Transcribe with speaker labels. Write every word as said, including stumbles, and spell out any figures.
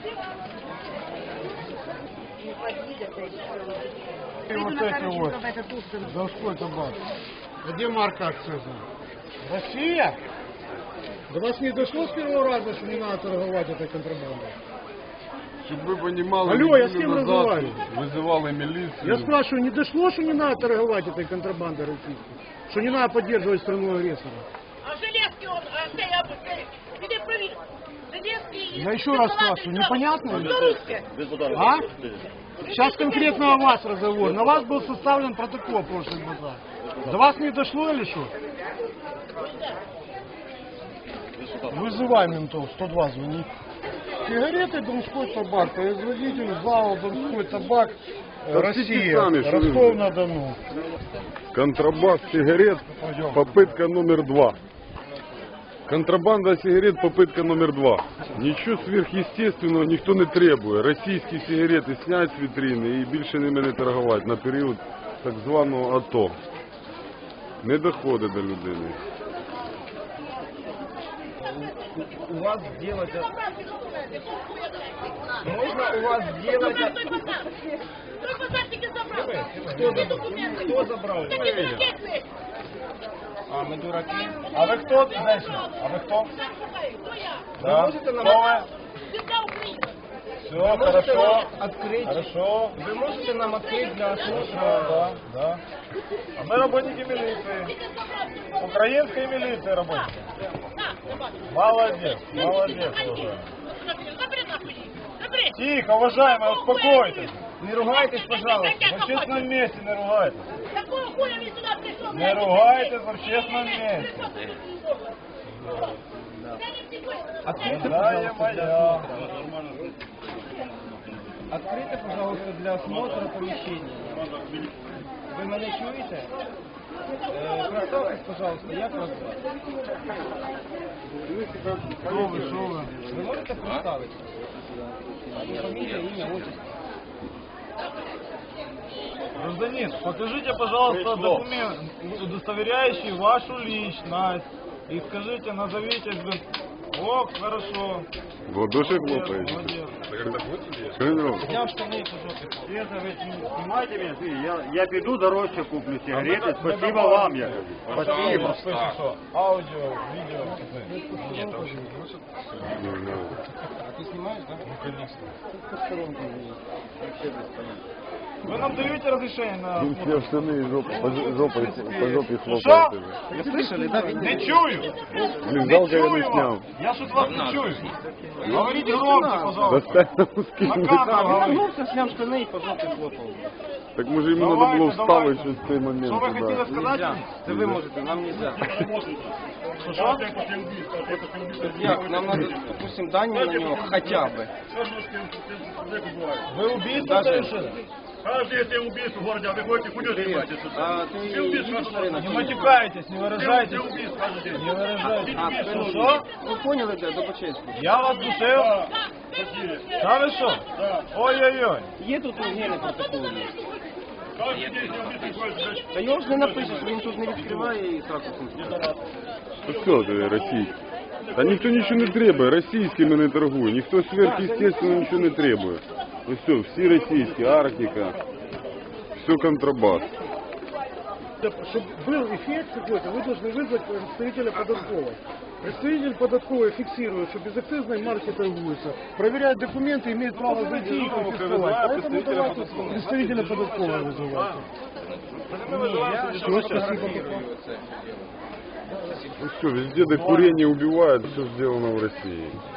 Speaker 1: И вот эти вот. Донской табак. Где марка акциза? Россия? До вас не дошло с первого раза, что не надо торговать этой контрабандой?
Speaker 2: Чтобы вы понимали,
Speaker 1: алло, я с кем разговариваю?
Speaker 2: Вызывала милицию.
Speaker 1: Я спрашиваю, не дошло, что не надо торговать этой контрабандой российской? Что не надо поддерживать страну агрессора?
Speaker 3: А Железкий он, а где я бы, где привез? Железкий...
Speaker 1: Я еще раз спрашиваю, непонятно?
Speaker 3: Белорусские.
Speaker 1: А? Сейчас конкретно о вас разговор. На вас был составлен протокол в прошлый базар. До вас не дошло или что? Вызывай ментов, сто два звони. Сигареты Донской табак, производитель ЗАО Донской табак, Россия,
Speaker 2: сами,
Speaker 1: Ростов-на-Дону.
Speaker 2: Контрабас сигарет, попытка номер два. Контрабанда сигарет, попытка номер два. Ничего сверхъестественного никто не требує. Російські сигарети снять з вітрини і більше ними не торгувати на період так званого АТО. Не доходить до людини.
Speaker 4: У вас сделать... Можно у вас сделать... Кто забрал? Кто забрал? А, мы дураки.
Speaker 1: А вы кто, женщина? А вы кто?
Speaker 4: Вы можете нам...
Speaker 1: Все,
Speaker 4: Вы можете
Speaker 1: хорошо.
Speaker 4: нам открыть...
Speaker 1: Хорошо.
Speaker 4: Вы можете нам открыть для осмотра...
Speaker 1: Да, да. А мы работники милиции. Украинской милиции работники. Молодец, молодец, уважаемый. Тихо, уважаемый, успокойтесь.
Speaker 4: Не ругайтесь, пожалуйста.
Speaker 1: В общественном месте не ругайтесь.
Speaker 3: Какого хуя вы сюда пришел?
Speaker 1: Не ругайтесь в общественном месте.
Speaker 4: Откройте,
Speaker 1: Дорогая моя.
Speaker 4: Откройте, пожалуйста, для осмотра помещения. Вы меня чуете? Э, представьтесь, пожалуйста, я вас звать.
Speaker 1: Что вы, что вы?
Speaker 4: Вы можете представить? Фамилия, имя, отчество.
Speaker 1: Гражданин, покажите, пожалуйста, документ, удостоверяющий вашу личность. И скажите, назовитесь. О, хорошо.
Speaker 2: В ладоши
Speaker 1: Молодец,
Speaker 2: хлопаете.
Speaker 1: молодец.
Speaker 2: Что не робите?
Speaker 4: Снял штаны по жопе.
Speaker 5: Это вы снимайте меня, я, я пойду дороже куплю сигареты, спасибо вам, я говорю. Спасибо.
Speaker 1: Слышишь, что? Аудио, видео. Нет,
Speaker 2: Не, не.
Speaker 4: А ты снимаешь, да?
Speaker 1: Ну, конечно.
Speaker 4: Вообще без понятия.
Speaker 1: Вы нам даете разрешение на
Speaker 2: Він
Speaker 1: осмотр?
Speaker 2: сняв штани і жопу, по жопі, по жопі
Speaker 1: Що?
Speaker 2: хлопає.
Speaker 4: Вы слышали, да?
Speaker 1: Не чую!
Speaker 2: Блін,
Speaker 1: Не
Speaker 2: жалко, я не
Speaker 1: чую
Speaker 2: сняв.
Speaker 1: вас! Я что-то вас не чую! Говорите громче, пожалуйста!
Speaker 2: Достань на куски.
Speaker 1: На камеру говорите!
Speaker 4: Вернулся, снял штаны и по жопе хлопал.
Speaker 2: Так може йому треба
Speaker 1: Давайте,
Speaker 2: було
Speaker 1: давайте.
Speaker 2: вставити щось в цей момент.
Speaker 1: Что вы
Speaker 2: туди.
Speaker 1: хотели сказать?
Speaker 4: Нельзя. Это вы можете, нам нельзя.
Speaker 1: Что?
Speaker 4: Судья, нам надо, допустим, данные на него хотя бы.
Speaker 1: Вы убийство
Speaker 4: Даже-
Speaker 1: совершили?
Speaker 5: Каждый если убийство в городе, а вы ходите, хуйню занимаетесь.
Speaker 4: А ты видишь на рынок?
Speaker 1: Не матюкайтесь, не выражайтесь.
Speaker 5: Все убийства каждый день.
Speaker 1: Не выражайтесь.
Speaker 4: А,
Speaker 1: Что?
Speaker 4: что? Вы поняли, да, до почестку.
Speaker 1: Я вас душил? Да вы что? Ой-ой-ой.
Speaker 4: Є тут гени протоколи.
Speaker 5: Каждый день все убийства ходят.
Speaker 4: Та його ж не напишеш, він тут не відкриває і так ось.
Speaker 2: Ну що ти, російський? Та ніхто нічого не требує, російськими не торгує, ніхто сверхъестественно нічого не требує. Ось все, всі російські, Арктика, все контрабас.
Speaker 1: Чтобы был эффект какой-то, вы должны вызвать представителя податковой. Представитель податковой фиксирует, что безакцизной марки торгуются, проверяет документы, имеет право зайти и конфисковать. Поэтому давайте представителя податковой вызывайте. Все, спасибо.
Speaker 2: Ну все, везде, где курение убивают, все сделано в России.